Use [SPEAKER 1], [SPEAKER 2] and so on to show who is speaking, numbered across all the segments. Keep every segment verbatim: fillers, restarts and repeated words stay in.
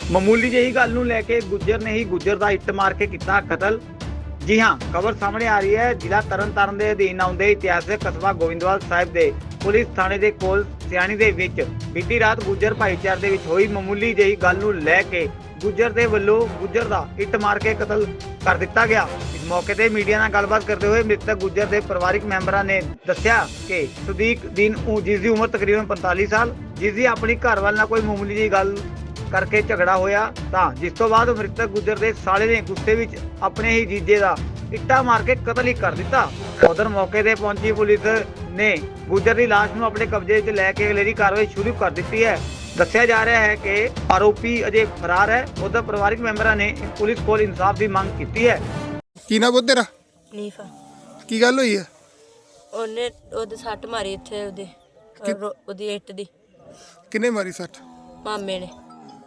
[SPEAKER 1] ਮਾਮੂਲੀ ਜਿਹੀ ਗੱਲ ਨੂੰ ਲੈ ਕੇ ਗੁੱਜਰ ਨੇ ਹੀ ਗੁੱਜਰ ਦਾ ਇੱਟ ਮਾਰ ਕੇ ਕੀਤਾ ਕਤਲ। ਜੀ ਹਾਂ, ਖਬਰ ਸਾਹਮਣੇ ਆ ਰਹੀ ਹੈ ਜ਼ਿਲ੍ਹਾ ਤਰਨਤਾਰਨ ਦੇ ਅਧੀਨ ਆਉਂਦੇ ਇਤਿਹਾਸਕ ਕਸਬਾ ਗੋਇੰਦਵਾਲ ਸਾਹਿਬ ਦੇ ਪੁਲਿਸ ਥਾਣੇ ਦੇ ਕੋਲ ਸਿਆਣੀ ਦੇ ਵਿੱਚ ਬੀਤੀ ਰਾਤ ਗੁੱਜਰ ਭਾਈਚਾਰੇ ਦੇ ਵਿੱਚ ਹੋਈ ਮਾਮੂਲੀ ਜਿਹੀ ਗੱਲ ਨੂੰ ਲੈ ਕੇ ਗੁੱਜਰ ਦੇ ਵੱਲੋਂ ਗੁੱਜਰ ਦਾ ਇੱਟ ਮਾਰ ਕੇ ਕਤਲ ਕਰ ਦਿੱਤਾ ਗਿਆ। ਇਸ ਮੌਕੇ ਤੇ ਮੀਡੀਆ ਨਾਲ ਗੱਲਬਾਤ ਕਰਦੇ ਹੋਏ ਮ੍ਰਿਤਕ ਗੁੱਜਰ ਦੇ ਪਰਿਵਾਰਕ ਮੈਂਬਰਾਂ ਨੇ ਦੱਸਿਆ ਕਿ ਸੁਦੀਕ ਦਿਨ ਜਿਸ ਦੀ ਉਮਰ ਤਕਰੀਬਨ ਪੰਤਾਲੀ ਸਾਲ, ਜਿਸ ਦੀ ਆਪਣੀ ਘਰਵਾਲ ਨਾਲ ਕੋਈ ਮਾਮੂਲੀ ਜਿਹੀ ਗੱਲ ਕਰਕੇ ਝਗੜਾ ਹੋਇਆ ਤਾਂ ਜਿਸ ਤੋਂ ਬਾਅਦ ਮ੍ਰਿਤਕ ਗੁੱਜਰ ਦੇ ਸਾਲੇ ਨੇ ਗੁੱਸੇ ਵਿੱਚ ਆਪਣੇ ਹੀ ਜੀਜੇ ਦਾ ਇੱਟਾਂ ਮਾਰ ਕੇ ਕਤਲ ਹੀ ਕਰ ਦਿੱਤਾ। ਉਧਰ ਮੌਕੇ ਤੇ ਪਹੁੰਚੀ ਪੁਲਿਸ ਨੇ ਗੁੱਜਰ ਦੀ ਲਾਸ਼ ਨੂੰ ਆਪਣੇ ਕਬਜ਼ੇ ਵਿੱਚ ਲੈ ਕੇ ਅਗਲੇਰੀ ਕਾਰਵਾਈ ਸ਼ੁਰੂ ਕਰ ਦਿੱਤੀ ਹੈ। ਦੱਸਿਆ ਜਾ ਰਿਹਾ ਹੈ ਕਿ ਆਰੋਪੀ ਅਜੇ ਫਰਾਰ ਹੈ। ਉਧਰ ਪਰਿਵਾਰਕ ਮੈਂਬਰਾਂ ਨੇ ਪੁਲਿਸ ਕੋਲ ਇਨਸਾਫ ਦੀ ਮੰਗ ਕੀਤੀ ਹੈ।
[SPEAKER 2] ਕੀ ਨਾ ਬੋਲ ਤੇਰਾ?
[SPEAKER 3] ਨੀਫਾ।
[SPEAKER 2] ਕੀ ਗੱਲ ਹੋਈ ਹੈ?
[SPEAKER 3] ਉਹਨੇ ਉਹਦੇ ਸੱਟ ਮਾਰੀ ਇੱਥੇ ਉਹਦੇ ਰੋ- ਉਹਦੀ ਇੱਟ ਦੀ।
[SPEAKER 2] ਕਿੰਨੇ ਮਾਰੀ ਸੱਟ?
[SPEAKER 3] ਮਾਮੇ ਨੇ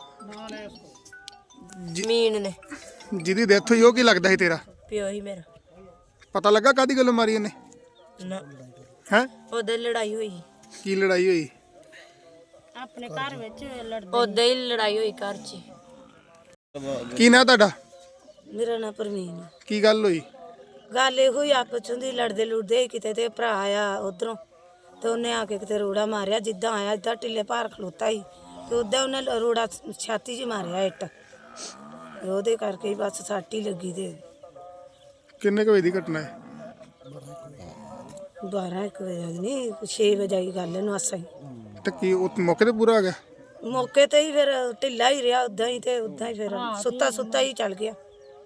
[SPEAKER 2] ਜੀ-
[SPEAKER 3] ਮੀਨ ਨੇ
[SPEAKER 2] ਜਿਹਦੀ ਡੈਥ ਹੋਈ ਉਹ ਕੀ ਲੱਗਦਾ ਸੀ ਤੇਰਾ?
[SPEAKER 3] ਪਿਓ ਹੀ ਮੇਰਾ।
[SPEAKER 2] ਪਤਾ ਲੱਗਾ ਕਾਦੀ ਗੱਲੋਂ ਮਾਰੀ ਇਹਨੇ?
[SPEAKER 3] ਨਾ
[SPEAKER 2] ਹੈ
[SPEAKER 3] ਉਹਦੇ ਲੜਾਈ ਹੋਈ
[SPEAKER 2] ਕੀ ਲੜਾਈ ਹੋਈ?
[SPEAKER 3] ਆਪਣੇ ਘਰ ਵਿੱਚ ਲੜਦੇ ਉਹਦੇ ਹੀ ਲੜਾਈ ਹੋਈ ਘਰ 'ਚ।
[SPEAKER 2] ਕੀ ਨਾ ਤੁਹਾਡਾ?
[SPEAKER 3] ਮੇਰਾ ਨਾਂ ਪਰਵੀਨ।
[SPEAKER 2] ਕੀ ਗੱਲ ਹੋਈ?
[SPEAKER 3] ਗੱਲ ਇਹੋ ਹੀ ਆਪਸ ਵਿੱਚ ਲੜਦੇ ਲੁੜਦੇ ਕਿਤੇ ਤੇ ਭਰਾ ਆਇਆ ਉਧਰੋਂ ਤੇ ਉਹਨੇ ਆ ਕੇ ਕਿਤੇ ਰੋੜਾ ਮਾਰਿਆ। ਜਿੱਦਾਂ ਆਇਆ ਇਦਾਂ ਢਿੱਲੇ ਭਾਰ ਖਲੋਤਾ ਸੀ ਤੇ ਉਦਾਂ ਉਹਨੇ ਰੋੜਾ ਛਾਤੀ 'ਚ ਮਾਰਿਆ ਇੱਟ। ਉਹਦੇ ਕਰਕੇ ਹੀ ਬਸ ਸੱਟ ਹੀ ਲੱਗੀ। ਤੇ
[SPEAKER 2] ਕਿੰਨੇ ਕੁ ਵਜੇ ਦੀ ਘਟਨਾ ਹੈ?
[SPEAKER 3] ਬਾਰਾਂ ਇੱਕ ਵਜੇ ਨਹੀਂ ਛੇ ਵਜੇ ਦੀ ਗੱਲ ਇਹਨੂੰ ਆਸਾਂ ਹੀ।
[SPEAKER 2] ਤੇ ਕੀ ਉਹ ਮੌਕੇ ਤੇ ਪੂਰਾ ਆ ਗਿਆ?
[SPEAKER 3] ਮੌਕੇ ਤੇ ਹੀ ਫਿਰ ਢਿੱਲਾ ਹੀ ਰਿਹਾ ਉਦਾਂ ਹੀ ਤੇ ਉਦਾਂ ਹੀ ਫਿਰ ਸੁੱਤਾ ਸੁੱਤਾ ਹੀ ਚੱਲ ਗਿਆ।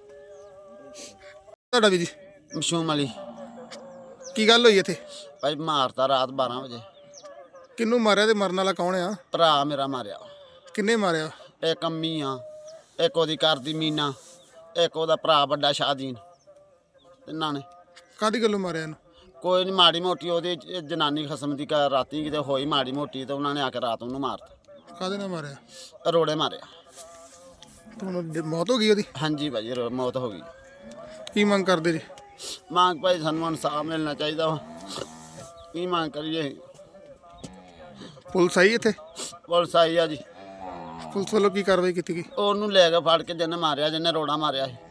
[SPEAKER 2] ਤੁਹਾਡਾ ਵੀ ਜੀ?
[SPEAKER 4] ਮਸ਼ੂਮ ਅਲੀ
[SPEAKER 2] ਕੀ ਗੱਲ ਹੋਈ ਇੱਥੇ?
[SPEAKER 4] ਭਾਈ ਮਾਰਤਾ ਰਾਤ ਬਾਰਾਂ ਵਜੇ।
[SPEAKER 2] ਕਿਹਨੂੰ ਮਾਰਿਆ ਤੇ ਮਰਨ ਵਾਲਾ ਕੌਣ ਆ?
[SPEAKER 4] ਭਰਾ ਮੇਰਾ ਮਾਰਿਆ।
[SPEAKER 2] ਕਿੰਨੇ ਮਾਰਿਆ?
[SPEAKER 4] ਇੱਕ ਅੰਮੀ ਆ, ਇੱਕ ਉਹਦੀ ਘਰ ਦੀ ਮੀਨਾ, ਇੱਕ ਉਹਦਾ ਭਰਾ ਵੱਡਾ ਸ਼ਾਦੀਨ। ਤਿੰਨਾਂ ਨੇ।
[SPEAKER 2] ਕਾਦੀ ਗੱਲੋਂ ਮਾਰਿਆ ਇਹਨੂੰ?
[SPEAKER 4] ਕੋਈ ਨਹੀਂ, ਮਾੜੀ ਮੋਟੀ ਉਹਦੀ ਜ- ਜਨਾਨੀ ਖਸਮ ਦੀ ਘਰ ਰਾਤੀ ਕਿਤੇ ਹੋਈ ਮਾੜੀ ਮੋਟੀ ਤੇ ਉਹਨਾਂ ਨੇ ਆ ਕੇ ਰਾਤ ਉਹਨੂੰ ਮਾਰਤਾ।
[SPEAKER 2] ਕਾਦੇ ਨਾਲ ਮਾਰਿਆ?
[SPEAKER 4] ਰੋੜੇ ਮਾਰਿਆ।
[SPEAKER 2] ਤੁਹਾਨੂੰ ਡ- ਮੌਤ ਹੋ ਗਈ ਉਹਦੀ?
[SPEAKER 4] ਹਾਂਜੀ ਭਾਜੀ, ਰੋ- ਮੌਤ ਹੋ ਗਈ।
[SPEAKER 2] ਕੀ ਮੰਗ ਕਰਦੇ ਜੀ?
[SPEAKER 4] ਮੰਗ ਭਾਈ ਸਾਨੂੰ ਇਨਸਾਫ ਮਿਲਣਾ ਚਾਹੀਦਾ ਵਾ। ਕੀ ਮੰਗ ਕਰੀਏ?
[SPEAKER 2] ਪੁਲਿਸ ਆਈ ਇੱਥੇ?
[SPEAKER 4] ਪੁਲਿਸ ਆਈ ਆ ਜੀ।
[SPEAKER 2] ਪੁਲਿਸ ਵੱਲੋਂ ਕੀ ਕਾਰਵਾਈ ਕੀਤੀ ਗਈ?
[SPEAKER 4] ਉਹਨੂੰ ਲੈ ਕੇ ਫੜ ਕੇ ਜਿਹਨੇ ਮਾਰਿਆ, ਜਿਹਨੇ ਰੋੜਾ ਮਾਰਿਆ ਸੀ।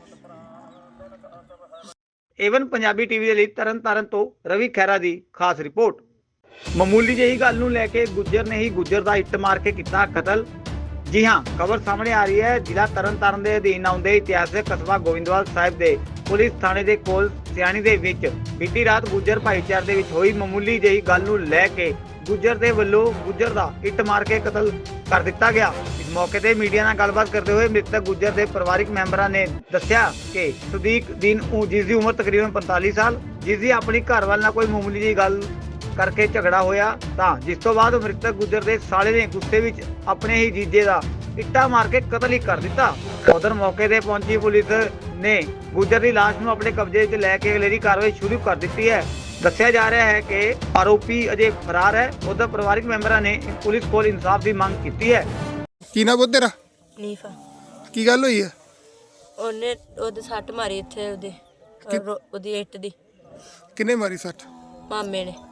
[SPEAKER 1] ਏਵਨ ਪੰਜਾਬੀ ਟੀਵੀ ਦੇ ਲਈ ਤਰਨਤਾਰਨ ਤੋਂ ਰਵੀ ਖਹਿਰਾ ਦੀ ਖਾਸ ਰਿਪੋਰਟ। ਮਾਮੂਲੀ ਜਿਹੀ ਗੱਲ ਨੂੰ ਲੈ ਕੇ ਗੁੱਜਰ ਨੇ ਹੀ ਗੁੱਜਰ ਦਾ ਇੱਟ ਮਾਰ ਕੇ ਕੀਤਾ ਕਤਲ। ਜੀ ਹਾਂ, ਖਬਰ ਸਾਹਮਣੇ ਆ ਰਹੀ ਹੈ ਜ਼ਿਲ੍ਹਾ ਤਰਨਤਾਰਨ ਦੇ ਅਧੀਨ ਆਉਂਦੇ ਇਤਿਹਾਸਕ ਕਸਬਾ ਗੋਇੰਦਵਾਲ ਸਾਹਿਬ ਦੇ ਪੁਲਿਸ ਥਾਣੇ ਦੇ ਕੋਲ ਸਿਆਣੀ ਦੇ ਵਿੱਚ ਬੀਤੀ ਰਾਤ ਗੁੱਜਰ ਭਾਈਚਾਰੇ ਦੇ ਵਿੱਚ ਹੋਈ ਮਾਮੂਲੀ ਜਿਹੀ ਗੱਲ ਨੂੰ ਲੈ ਕੇ ਗੁੱਜਰ ਦੇ ਵੱਲੋਂ ਗੁੱਜਰ ਦਾ ਇੱਟ ਮਾਰ ਕੇ ਕਤਲ ਕਰ ਦਿੱਤਾ ਗਿਆ। ਇਸ ਮੌਕੇ ਤੇ ਮੀਡੀਆ ਨਾਲ ਗੱਲਬਾਤ ਕਰਦੇ ਹੋਏ ਮ੍ਰਿਤਕ ਗੁੱਜਰ ਦੇ ਪਰਿਵਾਰਕ ਮੈਂਬਰਾਂ ਨੇ ਦੱਸਿਆ ਕਿ ਸੁਦੀਕ ਦਿਨ ਜਿਸ ਦੀ ਉਮਰ ਤਕਰੀਬਨ ਪੰਤਾਲੀ ਸਾਲ, ਜਿਸ ਦੀ ਆਪਣੀ ਘਰਵਾਲ ਨਾਲ ਕੋਈ ਮਾਮੂਲੀ ਜਿਹੀ ਗੱਲ ਕਰਕੇ ਝਗੜਾ ਹੋਇਆ ਤਾਂ ਜਿਸ ਤੋਂ ਬਾਅਦ ਮ੍ਰਿਤਕ ਗੁੱਜਰ ਦੇ ਸਾਲੇ ਨੇ ਗੁੱਸੇ ਵਿੱਚ ਆਪਣੇ ਹੀ ਜੀਜੇ ਦਾ ਇੱਟਾਂ ਮਾਰ ਕੇ ਕਤਲ ਹੀ ਕਰ ਦਿੱਤਾ। ਉਧਰ ਮੌਕੇ ਤੇ ਪਹੁੰਚੀ ਪੁਲਿਸ ਨੇ ਗੁੱਜਰ ਦੀ ਲਾਸ਼ ਨੂੰ ਆਪਣੇ ਕਬਜ਼ੇ ਵਿੱਚ ਲੈ ਕੇ ਅਗਲੇਰੀ ਕਾਰਵਾਈ ਸ਼ੁਰੂ ਕਰ ਦਿੱਤੀ ਹੈ। ਦੱਸਿਆ ਜਾ ਰਿਹਾ ਹੈ ਕਿ ਆਰੋਪੀ ਅਜੇ ਫਰਾਰ ਹੈ। ਉਧਰ ਪਰਿਵਾਰਕ ਮੈਂਬਰਾਂ ਨੇ ਪੁਲਿਸ ਕੋਲ ਇਨਸਾਫ ਦੀ ਮੰਗ ਕੀਤੀ ਹੈ।
[SPEAKER 2] ਕੀ ਨਾ ਬੋਲ ਤੇਰਾ?
[SPEAKER 3] ਨੀਫਾ।
[SPEAKER 2] ਕੀ ਗੱਲ ਹੋਈ ਹੈ?
[SPEAKER 3] ਉਹਨੇ ਉਹਦੇ ਸੱਟ ਮਾਰੀ ਇੱਥੇ ਉਹਦੇ ਰੋ- ਉਹਦੀ ਇੱਟ ਦੀ।
[SPEAKER 2] ਕਿੰਨੇ ਮਾਰੀ ਸੱਟ?
[SPEAKER 3] ਮਾਮੇ ਨੇ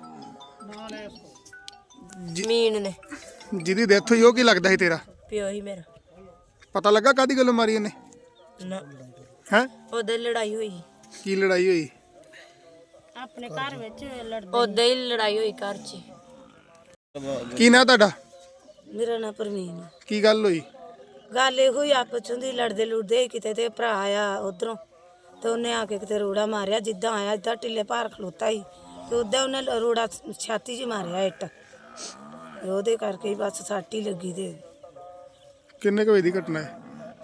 [SPEAKER 2] ਜੀ-
[SPEAKER 3] ਮੀਨ ਨੇ
[SPEAKER 2] ਜਿਹਦੀ ਡੈਥ ਹੋਈ ਉਹ ਕੀ ਲੱਗਦਾ ਸੀ ਤੇਰਾ?
[SPEAKER 3] ਪਿਓ ਹੀ ਮੇਰਾ।
[SPEAKER 2] ਪਤਾ ਲੱਗਾ ਕਾਦੀ ਗੱਲੋਂ ਮਾਰੀ ਇਹਨੇ?
[SPEAKER 3] ਨਾ
[SPEAKER 2] ਹੈ
[SPEAKER 3] ਉਹਦੇ ਲੜਾਈ ਹੋਈ
[SPEAKER 2] ਕੀ ਲੜਾਈ ਹੋਈ?
[SPEAKER 3] ਆਪਣੇ ਘਰ ਵਿੱਚ ਲੜਦੇ ਉਹਦੇ ਹੀ ਲੜਾਈ ਹੋਈ ਘਰ 'ਚ।
[SPEAKER 2] ਕੀ ਨਾ ਤੁਹਾਡਾ?
[SPEAKER 3] ਮੇਰਾ ਨਾਂ ਪਰਵੀਨ।
[SPEAKER 2] ਕੀ ਗੱਲ ਹੋਈ?
[SPEAKER 3] ਗੱਲ ਇਹੋ ਹੀ ਆਪਸ ਵਿੱਚ ਲੜਦੇ ਲੁੜਦੇ ਕਿਤੇ ਤੇ ਭਰਾ ਆਇਆ ਉਧਰੋਂ ਤੇ ਉਹਨੇ ਆ ਕੇ ਕਿਤੇ ਰੋੜਾ ਮਾਰਿਆ। ਜਿੱਦਾਂ ਆਇਆ ਇਦਾਂ ਢਿੱਲੇ ਭਾਰ ਖਲੋਤਾ ਸੀ ਤੇ ਉਦਾਂ ਉਹਨੇ ਰੋੜਾ ਛਾਤੀ 'ਚ ਮਾਰਿਆ ਇੱਟ। ਉਹਦੇ ਕਰਕੇ ਹੀ ਬਸ ਸੱਟ ਹੀ ਲੱਗੀ। ਤੇ
[SPEAKER 2] ਕਿੰਨੇ ਕੁ ਵਜੇ ਦੀ ਘਟਨਾ ਹੈ?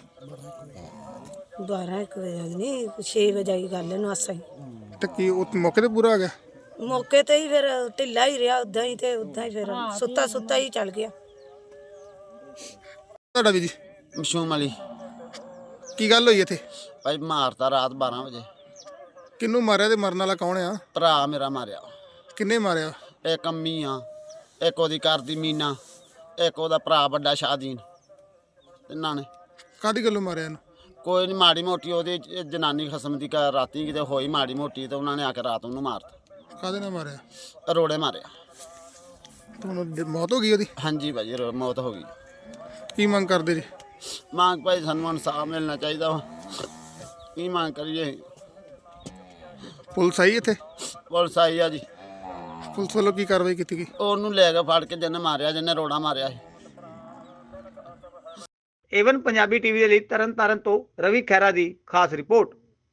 [SPEAKER 3] ਬਾਰਾਂ ਇੱਕ ਵਜੇ ਨਹੀਂ ਛੇ ਵਜੇ ਦੀ ਗੱਲ ਇਹਨੂੰ ਆਸਾਂ ਹੀ।
[SPEAKER 2] ਤੇ ਕੀ ਉਹ ਮੌਕੇ ਤੇ ਪੂਰਾ ਆ ਗਿਆ?
[SPEAKER 3] ਮੌਕੇ ਤੇ ਹੀ ਫਿਰ ਢਿੱਲਾ ਹੀ ਰਿਹਾ ਉਦਾਂ ਹੀ ਤੇ ਉਦਾਂ ਹੀ ਫਿਰ ਸੁੱਤਾ ਸੁੱਤਾ ਹੀ ਚੱਲ ਗਿਆ।
[SPEAKER 2] ਤੁਹਾਡਾ ਵੀ ਜੀ?
[SPEAKER 4] ਮਸ਼ੂਮ ਅਲੀ
[SPEAKER 2] ਕੀ ਗੱਲ ਹੋਈ ਇੱਥੇ?
[SPEAKER 4] ਭਾਈ ਮਾਰਤਾ ਰਾਤ ਬਾਰਾਂ ਵਜੇ।
[SPEAKER 2] ਕਿਹਨੂੰ ਮਾਰਿਆ ਤੇ ਮਰਨ ਵਾਲਾ ਕੌਣ ਆ?
[SPEAKER 4] ਭਰਾ ਮੇਰਾ ਮਾਰਿਆ।
[SPEAKER 2] ਕਿੰਨੇ ਮਾਰਿਆ?
[SPEAKER 4] ਇੱਕ ਅੰਮੀ ਆ, ਇੱਕ ਉਹਦੀ ਘਰ ਦੀ ਮੀਨਾ, ਇੱਕ ਉਹਦਾ ਭਰਾ ਵੱਡਾ ਸ਼ਾਦੀਨ। ਤਿੰਨਾਂ ਨੇ।
[SPEAKER 2] ਕਾਦੀ ਗੱਲੋਂ ਮਾਰਿਆ ਇਹਨੂੰ?
[SPEAKER 4] ਕੋਈ ਨਹੀਂ, ਮਾੜੀ ਮੋਟੀ ਉਹਦੀ ਜ- ਜਨਾਨੀ ਖਸਮ ਦੀ ਘਰ ਰਾਤੀ ਕਿਤੇ ਹੋਈ ਮਾੜੀ ਮੋਟੀ ਤੇ ਉਹਨਾਂ ਨੇ ਆ ਕੇ ਰਾਤ ਉਹਨੂੰ ਮਾਰਤਾ।
[SPEAKER 2] ਕਾਦੇ ਨਾਲ ਮਾਰਿਆ?
[SPEAKER 4] ਰੋੜੇ ਮਾਰਿਆ।
[SPEAKER 2] ਤੁਹਾਨੂੰ ਡ- ਮੌਤ ਹੋ ਗਈ ਉਹਦੀ?
[SPEAKER 4] ਹਾਂਜੀ ਭਾਜੀ, ਰੋ- ਮੌਤ ਹੋ ਗਈ।
[SPEAKER 2] ਕੀ ਮੰਗ ਕਰਦੇ ਜੀ?
[SPEAKER 4] ਮੰਗ ਭਾਈ ਸਾਨੂੰ ਇਨਸਾਫ ਮਿਲਣਾ ਚਾਹੀਦਾ ਵਾ। ਕੀ ਮੰਗ ਕਰੀਏ?
[SPEAKER 2] ਪੁਲਿਸ ਆਈ ਇੱਥੇ?
[SPEAKER 4] ਪੁਲਿਸ ਆਈ ਆ ਜੀ,
[SPEAKER 2] ਪੁਲਿਸ ਵੱਲੋਂ ਕੀ ਕਾਰਵਾਈ ਕੀਤੀ ਗਈ?
[SPEAKER 4] ਉਹਨੂੰ ਲੈ ਕੇ ਫੜ ਕੇ ਜਿਹਨੇ ਮਾਰਿਆ, ਜਿਹਨੇ ਰੋੜਾ ਮਾਰਿਆ ਸੀ।
[SPEAKER 1] ਏਵਨ ਪੰਜਾਬੀ ਟੀਵੀ ਦੇ ਲਈ ਤਰਨ ਤਾਰਨ ਤੋਂ ਰਵੀ ਖਹਿਰਾ ਦੀ ਖਾਸ ਰਿਪੋਰਟ।